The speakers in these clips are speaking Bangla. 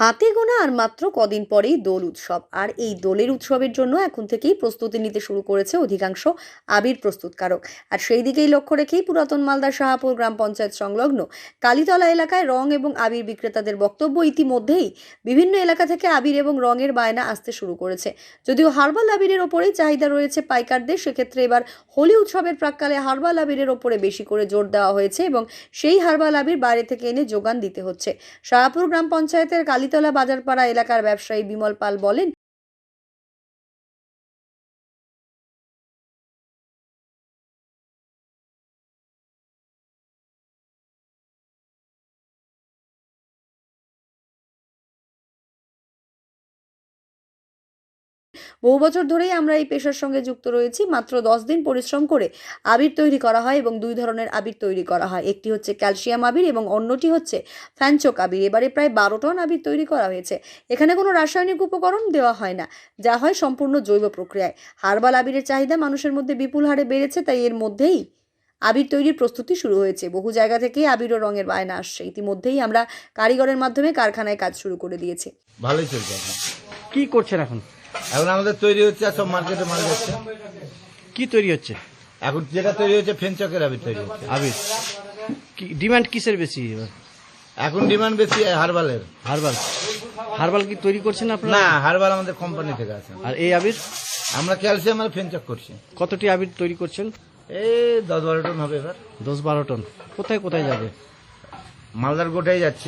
হাতে গোনা আর মাত্র কদিন পরেই দোল উৎসব। আর এই দোলের উৎসবের জন্য এখন থেকেই প্রস্তুতি নিতে শুরু করেছে অধিকাংশ আবির প্রস্তুতকারক। আর সেই দিকেই লক্ষ্য রেখেই পুরাতন মালদার শাহাপুর গ্রাম পঞ্চায়েত সংলগ্ন কালীতলা এলাকায় রং এবং আবির বিক্রেতাদের বক্তব্য, ইতিমধ্যেই বিভিন্ন এলাকা থেকে আবির এবং রঙের বায়না আসতে শুরু করেছে। যদিও হার্বাল আবিরের ওপরেই চাহিদা রয়েছে পাইকারদের, সেক্ষেত্রে এবার হোলি উৎসবের প্রাক্কালে হার্বাল আবিরের ওপরে বেশি করে জোর দেওয়া হয়েছে এবং সেই হার্বাল আবির বাইরে থেকে এনে যোগান দিতে হচ্ছে। শাহাপুর গ্রাম পঞ্চায়েতের কালীতলা বাজারপাড়া এলাকার ব্যবসায়ী বিমল পাল বলেন, বহু বছর ধরেই আমরা এই পেশার সঙ্গে যুক্ত রয়েছি। মাত্র 10 দিন পরিশ্রম করে আবির তৈরি করা হয় এবং দুই ধরনের আবির তৈরি করা হয়। একটি হচ্ছে ক্যালসিয়াম আবির এবং অন্যটি হচ্ছে ফ্যানচোক আবির। এবারে প্রায় 12 টন আবির তৈরি করা হয়েছে। এখানে কোনো রাসায়নিক উপকরণ দেওয়া হয় না, যা হয় সম্পূর্ণ জৈব প্রক্রিয়ায়। হার্বাল আবিরের চাহিদা মানুষের মধ্যে বিপুল হারে বেড়েছে, তাই এর মধ্যেই আবির তৈরির প্রস্তুতি শুরু হয়েছে। বহু জায়গা থেকেই আবির ও রঙের বায়না আসছে। ইতিমধ্যেই আমরা কারিগরের মাধ্যমে কারখানায় কাজ শুরু করে দিয়েছি। ভালোই চলছে এখন। কি করছেন এখন? এখন আমাদের তৈরি হচ্ছে, আর সব মার্কেটে মাল যাচ্ছে। কি তৈরি হচ্ছে? এখন যেটা তৈরি হচ্ছে ফেনচকের আবির তৈরি হচ্ছে। আবির কি ডিমান্ড কিসের বেশি এবার? এখন ডিমান্ড বেশি হার্বালের। হার্বাল। হার্বাল কি তৈরি করছেন আপনারা? না, হার্বাল আমাদের কোম্পানি থেকে আছে। আর এই আবির আমরা ক্যালসিয়াম আর ফেনচক করছি। কতটি আবির তৈরি করছেন? এই 10-12 টন হবে এবার। 10-12 টন। কোথায় কোথায় যাবে? মালদার গোটাই যাচ্ছে,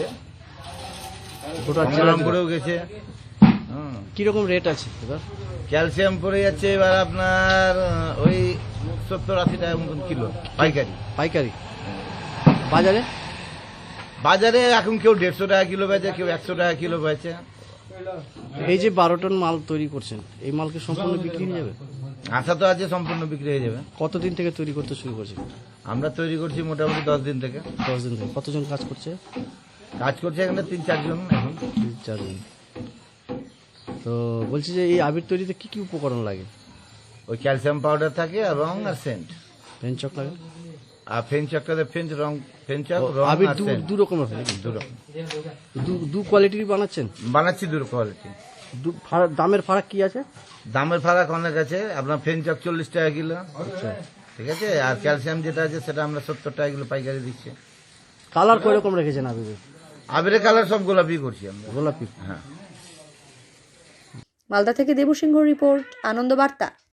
গোটা গঙ্গারামপুরেও গেছে। কিরকম রেট আছে এবার? ক্যালসিয়াম পড়ে যাচ্ছে এবার আপনার ওই 70-80 টাকা মতন কিলো পাইকারি। পাইকারি। বাজারে? বাজারে এখন কেউ 150 টাকা কিলো বেচে, কেউ 100 টাকা কিলো বেচে। এই যে 12 টন মাল তৈরি করছেন, এই মালকে সম্পূর্ণ বিক্রি হয়ে যাবে? আশা তো আছে সম্পূর্ণ বিক্রি হয়ে যাবে। কতদিন থেকে তৈরি করতে শুরু করছেন? আমরা তৈরি করছি মোটামুটি 10 দিন থেকে। 10 দিন থেকে। কতজন কাজ করছে? কাজ করছে এখানে 3-4 জন এখন। 4 জন। তো বলছি যে এই আবির তৈরিতে কি কি উপকরণ লাগে? ওই ক্যালসিয়াম পাউডার থাকে আর রং আর সেন্ট। পেনচক লাগে? আর ফেনচকটাতে ফেনচক রং আবির আর সেন্ট দু রকমের হয় নাকি? দু রকম দু কোয়ালিটির বানাচ্ছেন? বানাচ্ছি, দু কোয়ালিটি। দামের ফারাক কি আছে? দামের ফারাক অনেক আছে। আপনার ফেনচক 40 টাকা কিলো, আচ্ছা। ঠিক আছে। আর ক্যালসিয়াম যেটা আছে সেটা আমরা 70 টাকা কিলো পাইকারি দিচ্ছি। কালার কয় রকম রেখেছেন আবিরের? আবিরের কালার সব গোলাপি করছি আমরা। গোলাপি। হ্যাঁ। মালদা থেকে দেবু সিংহ রিপোর্ট, আনন্দ বার্তা।